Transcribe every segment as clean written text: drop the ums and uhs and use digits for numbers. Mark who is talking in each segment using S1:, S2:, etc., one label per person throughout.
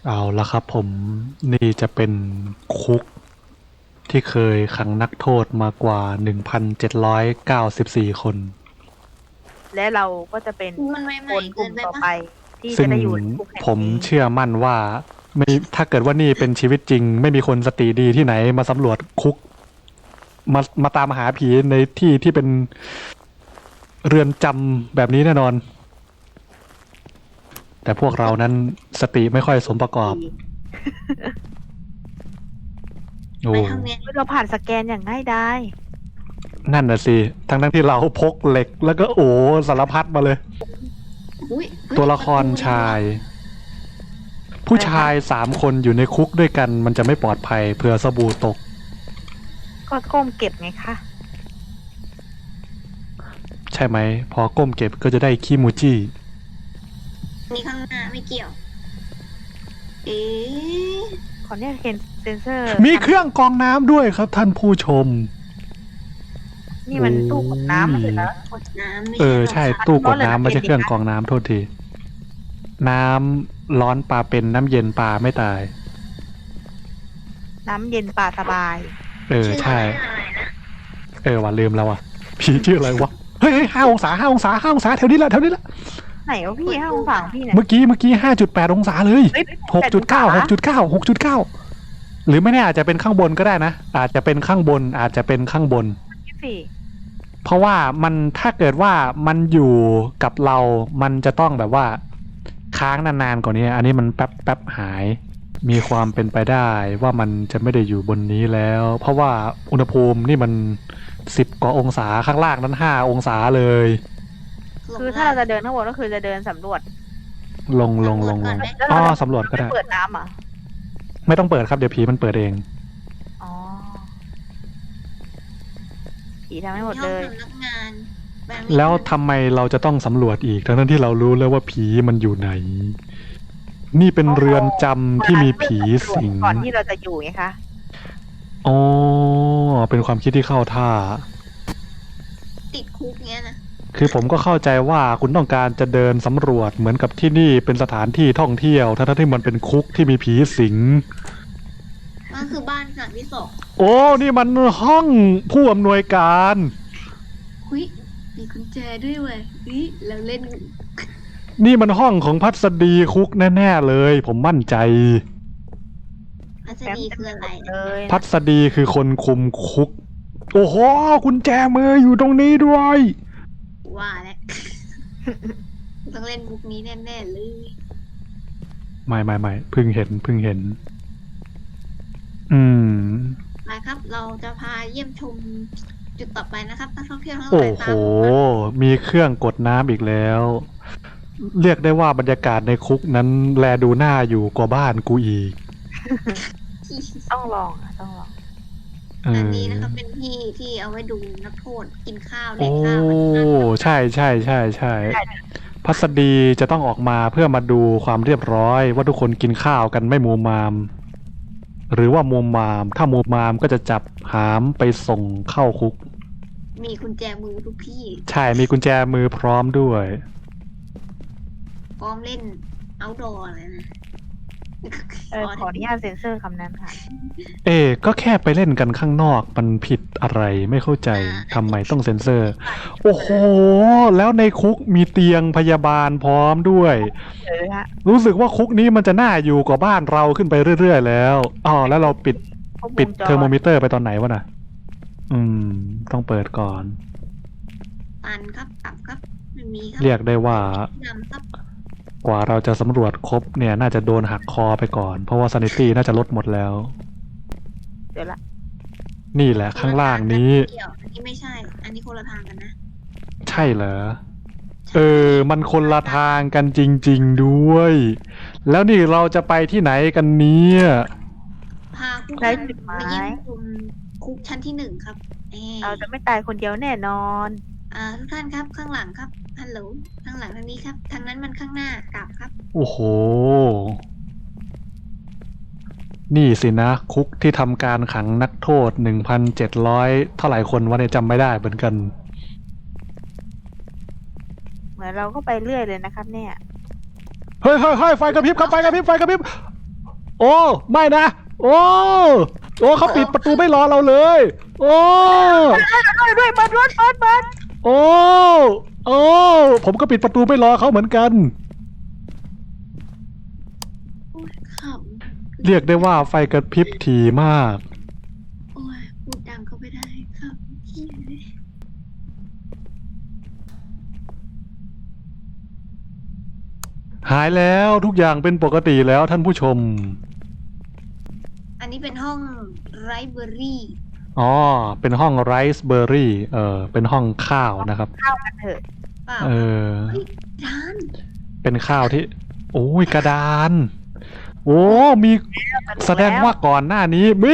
S1: เอาละครับผมนี่จะเป็นคุกที่เคยขังนักโทษมากว่า 1,794 คน
S2: และเราก็จะเป็น
S3: มันไม่
S2: คนก
S3: เกิ
S2: ลุ่
S3: น
S2: ม
S3: ไป
S2: ต่อ
S3: ปะ
S2: ไปที่
S1: ซึ่
S2: จะ
S1: ง
S2: ได้อยู่ในคุกแห่ง
S1: ผม
S2: นี้
S1: เชื่อมั่นว่าไม่ถ้าเกิดว่านี่เป็นชีวิตจริง ไม่มีคนสติดีที่ไหนมาสำรวจคุกมาตามหาผีในที่ที่เป็นเรือนจำแบบนี้แน่นอน แต่พวกเรานั้นสติไม่ค่อยสมประกอบโอ้
S3: ไปทางเนี้ย
S2: เราผ่านสแกนอย่างง่ายดาย
S1: นั่นน่ะสิ ทั้งที่เราพกเหล็กแล้วก็สารพัดมาเลย
S3: อุ๊ย
S1: ตัวละครชาย ผู้ชาย3 คนอยู่ในคุกด้วยกันมันจะไม่ปลอดภัยเผื่อสบู่ตก
S2: ก็ก้มเก็บไงคะ
S1: ใช่ไหม พอก้มเก็บก็จะได้คิมูจิ
S3: นี่ข้างหน้าไม่เกี่ยว เอ๊ะ
S2: ขอเนี่ยเห็นเซนเซอร์
S1: มีเครื่องกรองน้ำด้วยครับท่านผู้ชม
S2: นี่มันตู้กดน้ำมันเลยนะ
S3: กดน้ำไม่
S1: ใช่ ตู้กดน้ำไม่ใช่เครื่องกรองน้ำโทษที น้ำร้อนปลาเป็นน้ำเย็นปลาไม่ตาย
S2: น้ำเย็นป่าสบาย
S1: ใช่
S3: อะไรนะ
S1: ว่าลืมแล้วอ่ะผีชื่ออะไรวะ เฮ้ย5 องศา5 องศา5 องศาแถวนี้แหละ
S2: ไหนวะพี่ห้าองศาของพี่เนี่ย
S1: เมื่อกี้5.8 องศาเลย
S2: เฮ้ย
S1: 6.9 หรือไม่แน่อาจจะเป็นข้างบนก็ได้นะ อาจจะเป็นข้างบน
S2: พี่สี่
S1: เพราะว่ามันถ้าเกิดว่ามันอยู่กับเรามันจะต้องแบบว่าค้างนานๆกว่านี้ อันนี้มันแป๊บหาย มีความเป็นไปได้ว่ามันจะไม่ได้อยู่บนนี้แล้ว เพราะว่าอุณหภูมินี่มัน10 กว่าองศาข้างล่างนั้น5 องศาเลย
S2: คือถ้าเราจะเดินข้างบนก็คือจะเดินสำรวจ
S1: ลง
S2: แล้ว
S1: อ๋อ
S2: เรา
S1: สำรวจก็ได้
S2: ไม่เปิดน้ำอ่ะ
S1: ไม่ต้องเปิดครับเดี๋ยวผีมันเปิดเอง
S2: อ๋อผีทำให้หมด
S3: ห้
S2: เล
S3: อง
S2: ย
S3: สำนักงานบบ
S1: แล้วทำไมเราจะต้องสำรวจอีกทั้งที่เรารู้แล้วว่าผีมันอยู่ไหน นี่เป็นเรือนจำที่มีผีสิง
S2: ก่อนที่เราจะอยู่ไงคะ
S1: อ๋อเป็นความคิดที่เข้าท่า
S3: ติดคุกเงี้ยนะ
S1: คือผมก็เข้าใจว่าคุณต้องการจะเดินสำรวจเหมือนกับที่นี่เป็นสถานที่ท่องเที่ยวทั้งที่มันเป็นคุกที่มีผีสิง
S3: นั่นคือบ้านหลังที่สอง
S1: โอ้นี่มันห้องผู้อำนวยการ
S3: หุ้ยมีกุญแจด้วยเว้ยเราเล่น
S1: นี่มันห้องของพัสดีคุกแน่ๆเลย ผมมั่นใจ
S3: อัศดีคืออะไร
S2: เล
S3: นะ
S2: ย
S1: พัสดีคือคนคุมคุก โอ้โหกุญแจมืออยู่ตรงนี้ด้วย
S3: ว่าแล้ว ต้องเล่นมุกนี้แน่ๆเลย
S1: ไม่เพิ่งเห็น อืม
S3: มาครับ เราจะพาเยี่ยมชมจุดต่อไปนะครับนักท่องเที่ยวทั้งห
S1: โอ้
S3: ลาย
S1: โห
S3: ตามผมมา
S1: มีเครื่องกดน้ำอีกแล้ว เรียกได้ว่าบรรยากาศในคุกนั้นแลดูหน้าอยู่กว่าบ้านกูอีก
S2: ต้องลองอ่ะต้องลอง
S3: อันนี้นะครับเป็นที่เอาไว้ดูนักโทษกินข้าวเล่
S1: โอ้
S3: นข้าว
S1: ใช่พัสดีจะต้องออกมาเพื่อมาดูความเรียบร้อย ว่าทุกคนกินข้าวกันไม่มูมาม หรือว่ามูมาม ถ้ามูมามก็จะจับหามไปส่งเข้าคุก
S3: มีกุญแจมือทุกที่
S1: ใช่มีกุญแจมือพร้อมด้วย
S3: พร้อมเล่น outdoor เลยนะ
S2: ขออนุญาตเซ็นเซอร์คำนั้นค่ะ
S1: ก็แค่ไปเล่นกันข้างนอกมันผิดอะไรไม่เข้าใจทำไมต้องเซ็นเซอร์ โอ้โห แล้วในคุกมีเตียงพยาบาลพร้อมด้วย
S2: เลยฮะ
S1: รู้สึกว่าคุกนี้มันจะน่าอยู่กว่าบ้านเราขึ้นไปเรื่อยๆแล้วอ๋อแล้วเราปิด
S2: ครบวงจ
S1: เทอร์โมมิเตอร์ไปตอนไหนวะน่ะ ต้องเปิดก่อน
S3: ตันครับกลับครับไม่มีครั
S1: เรียกได้ว่า
S3: นำครับ
S1: กว่าเราจะสำรวจครบเนี่ยน่าจะโดนหักคอไปก่อน เพราะว่าซานิตี้น่าจะลดหมดแล้ว
S2: เดี๋ยวละ
S1: นี่แหละข้างล่างนี้
S3: เกี่ยวอันนี้ไม่ใช่ อันนี้คนละทางกันนะ
S1: ใช่เหรอ มันคนละทางกันจริงๆด้วย แล้วนี่เราจะไปที่ไหนกันเนี่ย
S3: พาผู้
S2: ได้
S3: ชม
S2: จุดหมาย
S3: มาเยี่ยมชมคุกชั้นที่1ครับ
S2: เราจะไม่ตายคนเดียวแน่นอน
S3: ทุกท่านครับข้างหลังครับฮัลโหลข้างหลังทางนี้ครับทางนั้นมันข้างหน้ากลับครับ
S1: โอ้โห นี่สินะ คุกที่ทำการขังนักโทษ 1,700 เท่าไหร่คนวะเนี่ยจำไม่ได้เหมือนกัน
S2: เหมือนเราก็ไปเรื่อยเลยนะครับ เนี่ย
S1: เฮ้ยไฟกระพริบครับไฟกระพริบโอ้ไม่นะโอ้เขาปิดประตูไม่รอเราเลยโอ้
S2: ด้วยเปิดรถเปิด
S1: โอ้ผมก็ปิดประตูไม่รอเขาเหมือนกัน
S3: โอ้ยขำ
S1: เรียกได้ว่าไฟกระพริบถี่มาก
S3: โอ้ยพูดดังก็ไม่ได้ครับเหี้ยเลย
S1: หายแล้วทุกอย่างเป็นปกติแล้วท่านผู้ชม
S3: อันนี้เป็นห้องไรเบอรี่
S1: อ๋อเป็นห้องไรซ์เบอร์รี่เป็นห้องข้าวนะครับ
S2: เข้ากันเถอะ
S3: เปล่า
S1: เออ
S3: เฮ้ยร้าน
S1: เป็นข้าวที่ โอ้ยกระดาน โอ้มีแสดงว่าก่อนหน้านี้มี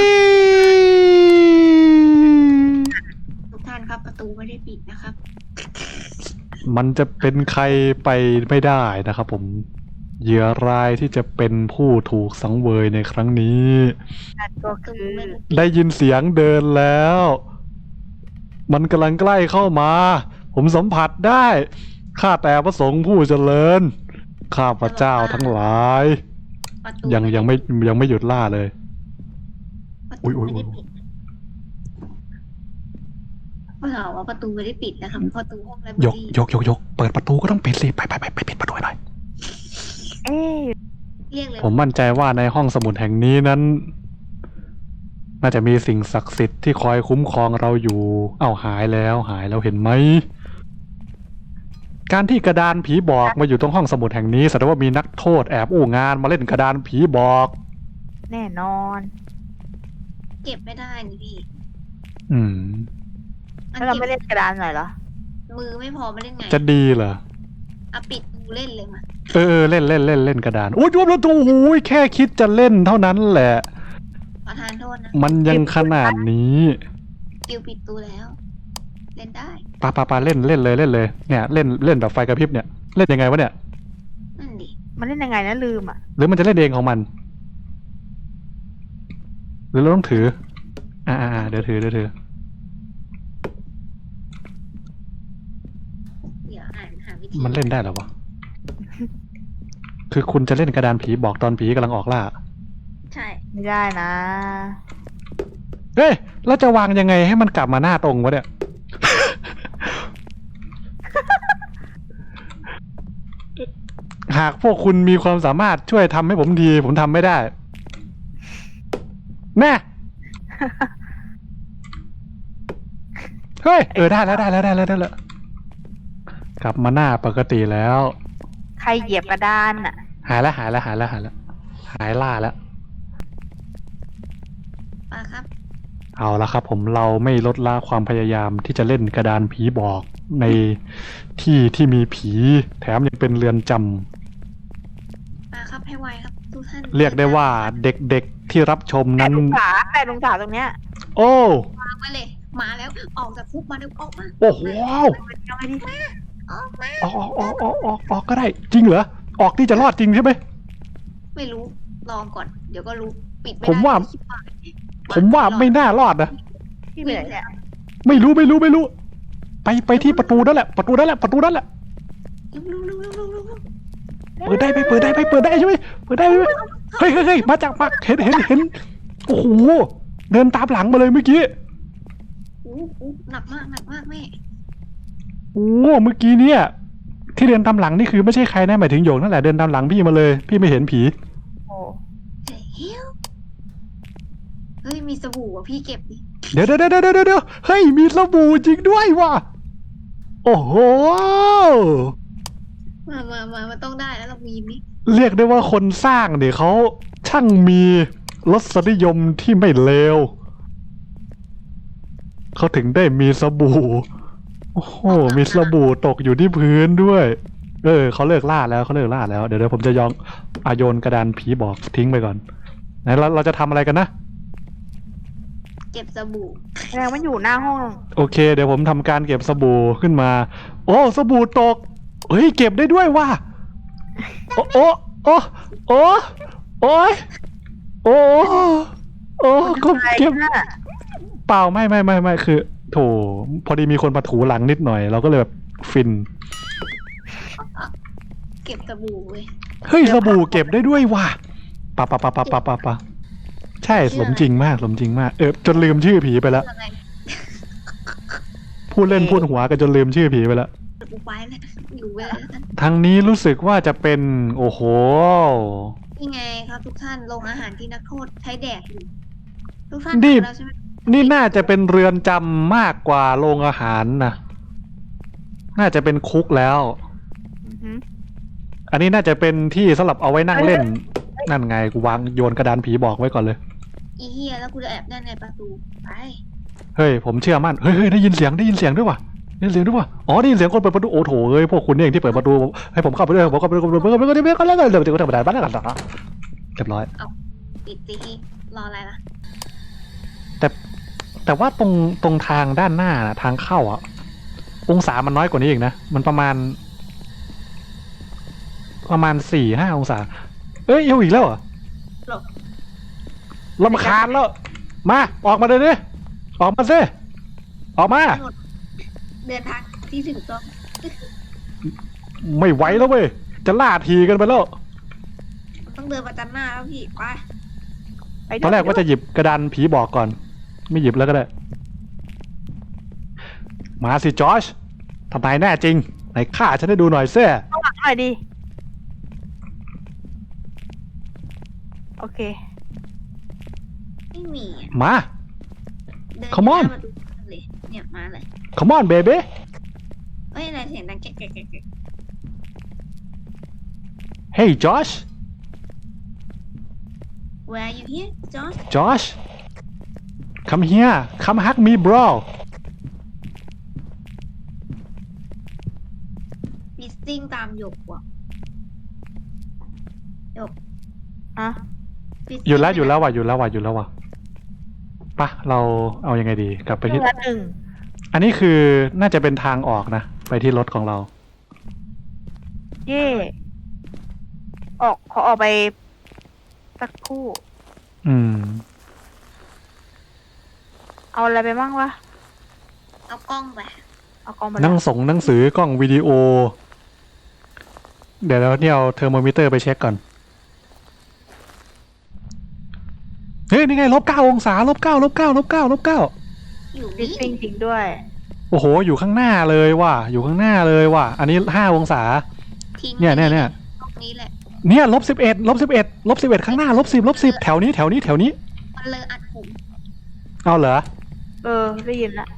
S3: ทุกท่านครับประตูไม่ได้ปิดนะครับ
S1: มันจะเป็นใครไปไม่ได้นะครับผมเหยื่อรายที่จะเป็นผู้ถูกสังเวยในครั้งนี้
S2: นั่นก็
S3: ประตู
S2: คือ
S3: ไม่ได้ปิด
S1: ได้ยินเสียงเดินแล้ว มันกำลังใกล้เข้ามา ผมสัมผัสได้ ข้าแต่พระสงฆ์ผู้เจริญ ข้าพระเจ้าทั้งหลาย
S3: ประตู
S1: ยังไม่หยุดล่าเลย
S3: ประ
S1: อุ๊
S3: ตู
S1: ย
S3: ไม่ได้ปิดเปล่าว่าประตูไม่ได้ปิดนะครับประตูห้องไรเบอย
S1: ก
S3: รี่
S1: ยกเปิดประตูก็ต้องปิดสิไปปิดประตูให้หน่อย
S2: เอ๊ะ
S3: เรียกเลย
S1: ผมมั่นใจว่าในห้องสมุดแห่งนี้นั้น น่าจะมีสิ่งศักดิ์สิทธิ์ที่คอยคุ้มครองเราอยู่ เอ้าหายแล้วเห็นไหม การที่กระดานผีบอกมาอยู่ตรงห้องสมุดแห่งนี้แสดงว่ามีนักโทษแอบอู้งานมาเล่นกระดานผีบอก
S2: แน่นอน
S3: เก็บไม่ได้นี่พี่
S1: อืม
S3: มัน
S2: แล้วเรา
S3: เก็บ
S2: ไม่เล่นกระดานหน่อยเหรอ
S3: มือไม่พอมาเล่นไง
S1: จะดีเหรอ
S3: เอาปิดดูเล่นเลยมา
S1: เล่นกระดานโอ้ยรวมแล้วโอ้ยแค่คิดจะเล่นเท่านั้นแหละ
S3: ขอทานโทษนะ
S1: มันยังขนาดนี้
S3: กิวปิดตูแล้ว เล่นได้
S1: ปาเล่นเลยเนี่ยเล่นแบบไฟกระพริบเนี่ยเล่นยังไงวะเนี่ย
S3: นั่นดิ
S2: มันเล่นยังไงนะลืมอ่ะ
S1: หรือมันจะเล่นเองของมัน หรือเราต้องถือเดี๋ยวถือ
S3: เดี๋ยวอ่านหาวิธี
S1: มันเล่นได้เหรอวะ คือคุณจะเล่นกระดานผีบอกตอนผีกำลังออกล่า
S3: ใช่
S2: ไม่ได้นะ
S1: เฮ้ยแล้วจะวางยังไงให้มันกลับมาหน้าตรงวะเนี่ย หากพวกคุณมีความสามารถช่วยทำให้ผมทีผมทำไม่ได้ แม่ เฮ้ยได้แล้วกลับมาหน้าปกติแล้ว
S2: ใครเหยียบกระดานอ่ะ
S1: หายล่าแล้ว
S3: มาครับ
S1: เอาละครับผมเราไม่ลดละความพยายามที่จะเล่นกระดานผีบอกในที่ที่มีผีแถมยังเป็นเรือนจำ
S3: มาครับให้ไวครับทุกท่าน
S1: เรียกได้ว่าเด็กๆที่รับชม
S2: แต่
S1: นั้น
S2: ลุงสาตรงเนี้ย
S1: โอ้
S3: วางไว้เลย มาแล้วออกจากคุกมาเร็วออกมา
S1: โอ้โห
S2: เอาไปดิ
S3: ออกมา
S1: ออกก็ได้ จริงเหรอ ออกที่จะรอดจริงใช่ไหม
S3: ไม่รู้ลองก่อน เดี๋ยวก็รู้ปิดไม่ได้
S1: ผมว่า
S3: คิดว่า
S1: ผมว่าไม่น่ารอดนะ
S2: ที่เหลือเนี่ย
S1: ไม่รู้ ไปที่ประตูนั่นแหละ ประตูนั่นแหละ
S3: เร็ว
S1: เปิดได้ไหมเปิดได้ใช่ไหมเฮ้ยมาเห็นโอ้โหเดินตามหลังมาเลยเมื่อกี้
S3: อู้หนักมากแม่
S1: โอ้เมื่อกี้เนี่ย ที่เดินตามหลังนี่คือไม่ใช่ใครนะหมายถึงโยกนั่นแหละเดินตามหลังพี่มาเลย พี่ไม่เห็นผี
S2: โอ้
S3: เฮ้ยมีสบู่อ่ะพี่เก็บดิ
S1: เดี๋ยวเฮ้ยมีสบู่จริงด้วยว่ะโอ้โห
S3: มาต้องได้แล้วเรามีมิ
S1: เรียกได้ว่าคนสร้างเนี่ยเขาช่างมีรสนิยมที่ไม่เลวเขาถึงได้มีสบู่โอ้โหมีสบู่ตกอยู่ที่พื้นด้วยเขาเลิกล่าแล้วเดี๋ยวผมจะโยนกระดานผีบอกทิ้งไปก่อนไหนเราจะทำอะไรกันนะ
S3: เก็บสบู่
S2: แสดงมันอยู่หน้าห้อง
S1: โอเคเดี๋ยวผมทำการเก็บสบู่ขึ้นมา โอ้สบู่ตกเฮ้ยเก็บได้ด้วยว่ะโอ้ก็เก็บ
S2: น่ะ
S1: เปล่าไม่คือ โถพอดีมีคนมาถูหลังนิดหน่อยเราก็เลยแบบฟิน
S3: เก็บสบู่เว้ย
S1: เฮ้ยสบู่เก็บได้ด้วยว่ะปะปะปะปะปะปะปะใช่สมจริงมากสมจริงมากจนลืมชื่อผีไปแล้ว
S3: อะไร
S1: พูดเล่นพูดหัวกันจนลืมชื่อผีไปแล้ว
S3: กูไปแล้วอยู่ไปแล้วกัน
S1: ทางนี้รู้สึกว่าจะเป็นโอ้โห
S3: นี่ไงครับทุกท่านโรงอาหารที่นักโทษใช้แดกอยู่ทุกท่าน
S1: นี่
S3: ทำแล้วใช่ไหม
S1: นี่น่าจะเป็นเรือนจำมากกว่าโรงอาหารนะน่าจะเป็นคุกแล้ว
S2: อือหือ
S1: อันนี้น่าจะเป็นที่สำหรับเอาไว้นั่งเล่น นั่นไงกูวางโยนกระดานผีบอกไว้ก่อนเลย
S3: อีเฮียแล้วกูจะแอบด้านในประตูไป
S1: เฮ้ยผมเชื่อมั่นเฮ้ยได้ยินเสียงด้วยว่ะได้ยินเสียงด้วยว่ะอ๋อได้ยินเสียงคนเปิดประตูโอ้โถเอ้ยพวกคุณนี่เองที่เปิดประตูให้ผมเข้าไปด้วยผมเข้าไปด้วยผมเข้าไปด้วยผมเข้าไปด้วยแล้วเดี๋ยวจะธรรมดาบ้านกันต่อเรียบร้อย
S3: ปิดตีรออะไรล่ะ
S1: แต่ว่าตรงทางด้านหน้าน่ะทางเข้าอ่ะองศามันน้อยกว่านี้อีกนะมันประมาณ 4-5 องศาเอ้ยเอาอีกแล้วเหรอ
S3: หลบ
S1: รำคาญแล้วมาออกมาเลยดิออกมาสิออกมา
S3: เดินทางที่ถึงต้อง
S1: ไม่ไหวแล้วเว้ยจะล่าทีกันไปแล้ว
S3: ต้องเดินประจันหน้าแล้วพี่ไป
S2: ไป
S1: ตอนแรกว่าจะหยิบกระดานผีบอกก่อน ไม่หยิบแล้วก็ได้ มาสิจอชทำไมแน่จริงไหนฆ่าฉันให้ดูหน่อยเซ่
S2: ข้างหลังหน่อยดิโอเค
S3: ไม่มีอะ
S1: มา
S3: เดิน
S1: Come on
S3: หน้าประตูเลยเนี่ยมาเลย
S1: come on baby
S3: เอ้ยอะไรเสียงดังแก๊กแก๊กแก๊กแก๊ก
S1: hey Josh
S3: Where are you here John
S1: Josh come here come hug me bro
S3: มีสติ้งตามหยกว่ะ
S2: อ่ะ
S3: Fisting
S1: อยู่แล้วว่ะปะเราเอายังไงดีกลับไปที่
S2: เรือหนึ่ง
S1: อันนี้คือน่าจะเป็นทางออกนะ ไปที่รถของเรา
S2: เย่ขอออกไปสักครู่
S1: อืม
S2: เอาอะไรไปบ้างวะ
S3: เอากล้องไป
S2: เอากองไป
S1: หนังสือกล้องวิดีโอ เดี๋ยวเนี่ยเอาเทอร์โมมิเตอร์ไปเช็คก่อน เฮ้ย นี่ไง-9 องศา-9
S3: อยู่
S2: ฟิ
S3: นี่
S2: ซซิ่งจริงด้วย
S1: โอ้โห อยู่ข้างหน้าเลยว่ะ อันนี้5 องศา
S3: ทิ้ง
S1: เนี่ย
S3: ตรงนี้แหละ
S1: เนี่ย-11 ข้างหน้า-10 แถวนี้
S3: มันเลยอัดผม
S1: เอาเหรอ
S2: ได้ยินละ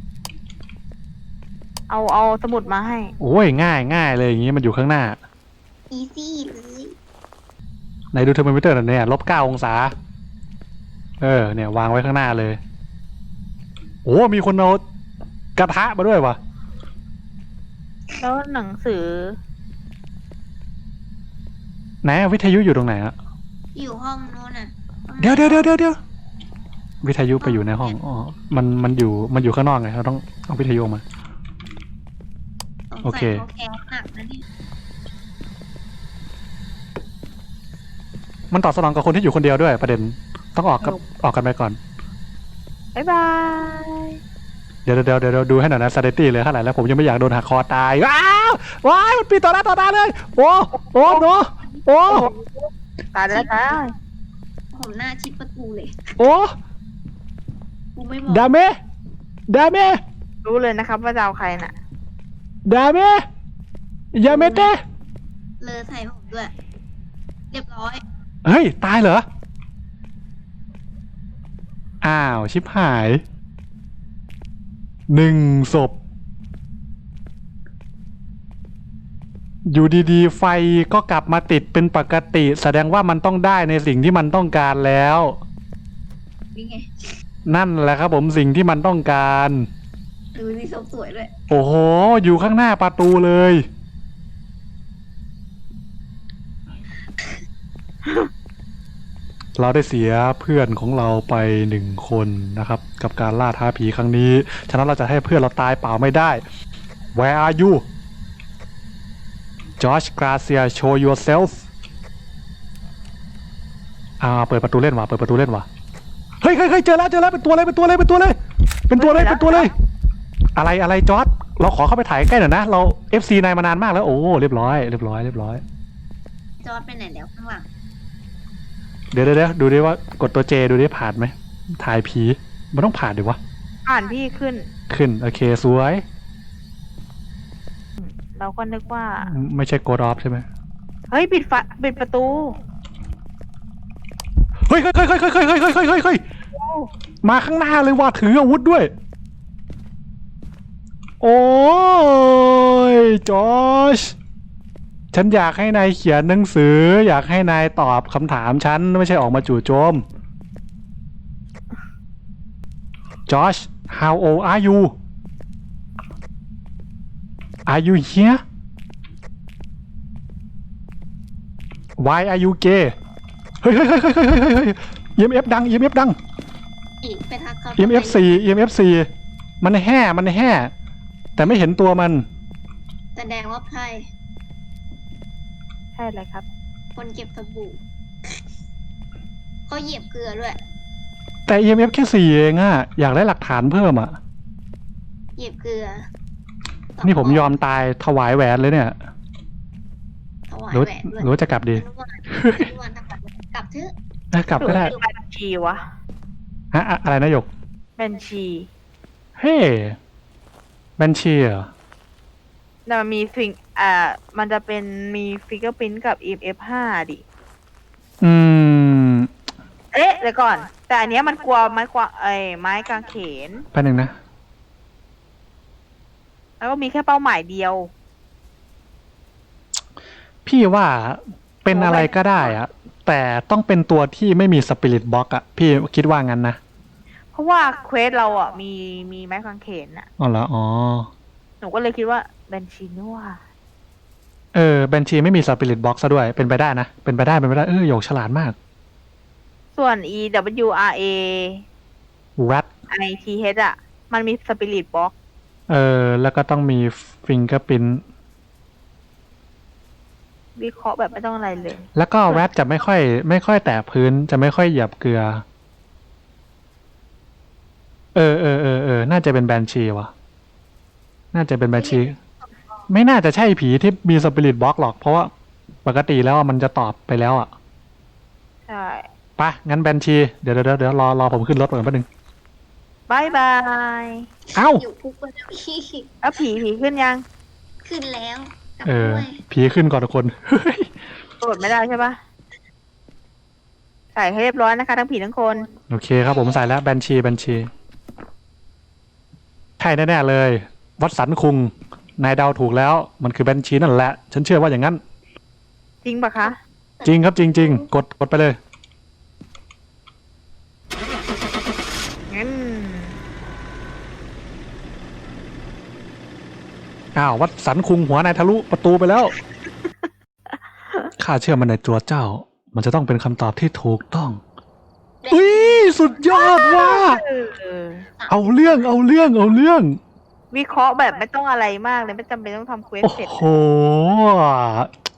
S2: เอาสมุดมาให้
S1: โอ้ย ง่ายเลยอย่างงี้มันอยู่ข้างหน้า
S3: อีซี่เลย
S1: ไหนดูเทอร์โมมิเตอร์หน่อยเนี่ย-9 องศา เนี่ยวางไว้ข้างหน้าเลย โอ้มีคนเอากระทะมาด้วยวะ
S2: แล้วหนังสือ
S1: ไหนอะวิทยุอยู่ตรงไหนอะ
S3: อยู่ห้องโน้นน่ะ
S1: เดี๋ยววิทยุไปอยู่ในห้องอ๋อมันอยู่ข้างนอกไงเราต้องเอาวิทยุมา โอเค
S3: สงสัยเขาแค้นหนักนะเนี่ย
S1: มันตอบสนองกับคนที่อยู่คนเดียวด้วยประเด็นต้องออกกันไปก่อน
S2: บ๊ายบาย
S1: เดี๋ยวดูให้หน่อยนะซาเดตี้เลยเท่าไหร่แล้วผมยังไม่อยากโดนหักคอตายว้ายมันปีต่อหน้าต่อตาเลยโอ้โนโอ้
S2: ตายแล้วจ้า
S3: ผมหน้าชิดประตูเลย
S1: โอ้
S3: กูไม่มอง
S1: ดาเมะ
S2: รู้เลยนะครับว่าจะเอาใครน่ะ
S1: ดาเมะยาเมเตะ
S3: เลอใส่ผมด้วย เรียบร้อย
S1: เฮ้ยตายเหรออ้าวชิบหาย1 ศพอยู่ดีๆไฟก็กลับมาติดเป็นปกติแสดงว่ามันต้องได้ในสิ่งที่มันต้องการแล้ว
S3: นี่ไง
S1: นั่นแหละครับผมสิ่งที่มันต้องการ
S3: ดูสิศพสวยด้วย
S1: โอ้โหอยู่ข้างหน้าประตูเลย เราได้เสียเพื่อนของเราไป1 คนนะครับ กับการล่าท้าผีครั้งนี้ฉะนั้นเราจะให้เพื่อนเราตายเปล่าไม่ได้ Where are you Josh Garcia show yourself เปิดประตูเล่นว่ะเฮ้ยเจอแล้วเป็นตัวเลยอะไรจอร์จเราขอเข้าไปถ่ายใกล้หน่อยนะเรา FC นายมานานมากแล้วโอ้เรียบร้อย
S3: จอดไปไหนแล้วข้างหลัง
S1: เดี๋ยวดูดิว่ากดตัวเจดูดิผ่านไหมถ่ายผีมันต้องผ่านดิวะ
S2: อ่านพี่ขึ้น
S1: ขึ้นโอเคสวย
S2: เราก็นึกว่า
S1: ไม่ใช่กดออฟใช่ไหม
S2: เฮ้ยปิดประตู
S1: เฮ้ยมาข้างหน้าเลยว่ะถืออาวุธด้วย โอ้ยจอชฉันอยากให้นายเขียนหนังสือ อยากให้นายตอบคำถามฉันไม่ใช่ออกมาจู่โจม Josh how old are you are you here why are you gay เฮ้ยEMF ดัง EMF ดัง
S3: อีกไปทักเขา
S1: EMF 4 EMF 4มันแห่แต่ไม่เห็นตัวมัน
S3: แสดงว่าไพ่
S2: ใช่เลยครับ
S3: คนเก็บสบู่เขาเหยียบเกลือด้วย
S1: แต่ EMF แค่4เองอะอยากได้หลักฐานเพิ่มอะ
S3: เหยียบเกลือ
S1: นี่ผมยอมตายถวายแหวนเลยเนี่ย
S3: ถวาย
S1: หรือ
S3: แหวนด้วย
S1: หรือว่าจะกลับดี
S3: อนุวานกลับเถอะ
S1: กลับก็ได้
S2: บัญชีวะ
S1: ฮะอะไรนะหยก
S2: บัญชี
S1: เฮ้บัญชีเหรอ
S2: แต่มันมีมันจะเป็นมีฟิกเกอร์พิ้นกับ EMF5 ดิ
S1: อืม
S2: เอ๊ะเดี๋ยวก่อน แต่อันเนี้ยมันกลัวไม้กางเขน
S1: แป๊บนึงนะ
S2: แล้วก็มีแค่เป้าหมายเดียว
S1: พี่ว่าเป็นอะไรก็ได้อะแต่ต้องเป็นตัวที่ไม่มีสปิริตบ็อกอะพี่คิดว่างั้นนะ
S2: เพราะว่าเควสเราอ่ะมีไม้กางเขนอ่ะ
S1: อ๋อเหรออ๋อ
S2: หนูก็เลยคิดว่าบัญชีนี่ว่า
S1: บัญชีไม่มีสปิริตบ็อกซะด้วยเป็นไปได้นะเป็นไปได้หยกฉลาดมาก
S2: ส่วน EWRA
S1: rat
S2: ITH อ่ะ มันมีสปิริตบ็อก
S1: แล้วก็ต้องมีฟิงเกอร์พิน
S2: วิเคราะห์แบบไม่ต้องอะไรเลย
S1: แล้วก็ rat จะไม่ค่อยแตะพื้นจะไม่ค่อยเหยียบเกลือน่าจะเป็นแบนชีวะน่าจะเป็นแบนชี ไม่น่าจะใช่ผีที่มีสปิริตบ็อกหรอกเพราะว่าปกติแล้วมันจะตอบไปแล้วอ่ะ
S2: ใช่
S1: ไปงั้นแบนชีเดี๋ยวรอผมขึ้นรถก่อนแป๊บนึง
S2: บายบาย
S1: เอ้า
S3: อยู่คุกไปแล้วพี่
S2: แล้วผีขึ้นยัง
S3: ขึ้นแล้วกลับด้วย
S1: ผีขึ้นก่อนทุกคน เฮ้ย
S2: กดไม่ได้ใช่ปะใส่ให้เรียบร้อยนะคะ ทั้งผีทั้งคน
S1: โอเคครับผมใส่แล้วแบนชีใช่แน่ๆเลย วัดสันคุงนายเดาถูกแล้วมันคือแบนชีนั่นแหละ ฉันเชื่อว่าอย่างนั้น
S2: จริงปะคะ
S1: จริงครับจริงกดไปเลย
S2: งั้น
S1: อ้าววัดสันคุงหัวนายทะลุประตูไปแล้ว ข้าเชื่อมันในตัวเจ้า มันจะต้องเป็นคำตอบที่ถูกต้องอุ้ยสุดยอดว่ะ
S2: เออ
S1: เอาเรื่อง
S2: วิเคราะห์แบบไม่ต้องอะไรมากเลยไม่จำเป็นต้องทำเควส
S1: โอ้
S2: เสร็จ
S1: โห